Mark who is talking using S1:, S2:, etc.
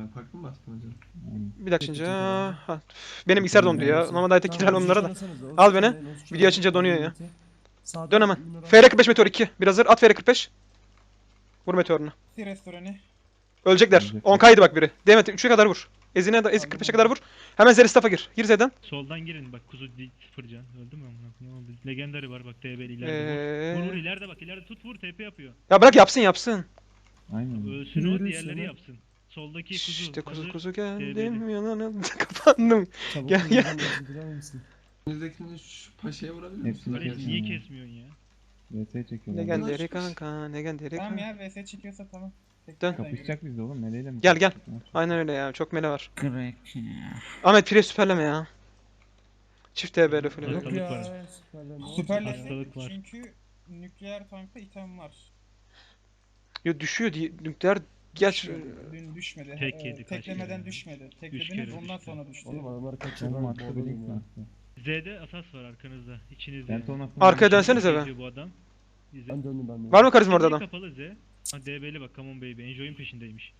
S1: Farklı mı bastın hocam?
S2: Bir dakika açınca. Ha. Benim bilgisayar dondu ya. Normalde ayta kiral onlara da. Al beni. Video açınca donuyor ya. Dön hemen. FR45 meteor 2. Bir hazır. At FR45. Vur meteorunu.
S3: Restoranı.
S2: Ölecekler. 10k'ydı bak biri. Demet 3'e kadar vur. Ezine de Ezi 45'e kadar vur. Hemen Zeristaf'a gir. Gir Z'den.
S4: Soldan girin bak kuzu sıfır can. Öldü mü amına? Ne oldu? Legendary var bak DB'li ileride vur. Vur ileride bak ileride tut vur TP yapıyor.
S2: Ya bırak yapsın.
S5: Aynen.
S4: Ölsün o diğerleri yapsın. Soldaki kuzu.
S2: İşte
S4: hazır,
S2: kuzu geldim
S4: DB'li.
S2: yanına kapandım. Gel gel.
S1: Önünüzdekini şu paşaya vurabilir
S5: Hepsini
S1: misiniz?
S4: Barış niye kesmiyorsun ya?
S5: VS çekiyorlar.
S2: Legendary kanka. Legendary
S3: Tamam
S2: kanka.
S3: ya VS çekiyorsa tamam.
S2: Dön.
S5: Kapışacak bizde oğlum. Meleğiyle mi?
S2: Gel, gel.
S5: kapışacak?
S2: Aynen öyle ya. Çok mele var.
S6: Crack.
S2: Ahmet Pire süperleme ya. Çift TB'li full.
S4: Hastalık var.
S3: Süperleştik
S4: Hastalık var.
S3: çünkü nükleer tankta item var.
S2: Yo düşüyor diye nükleer geç.
S3: Düşmedi, Dün düşmedi.
S4: Tek yedi, kaç
S3: Teklemeden
S4: kere?
S3: düşmedi.
S4: kere
S3: Teklediniz ondan
S4: düştü.
S3: sonra düştü.
S7: Oğlum adamlar kaçıyor
S5: Oğlum
S7: lan.
S5: attı
S7: Boğdurun
S5: bir ilk
S7: ya.
S5: attı.
S4: Z'de asas var arkanızda. İçinizde.
S5: Ben ton attım.
S2: Arkaya dönsenize be.
S4: Geziyor bu adam.
S7: Ben döndüm ben de.
S2: Var mı karizma orada adam?
S4: Kapalı Z. Ha DB'li bak come on baby. Enjoy'un peşindeymiş.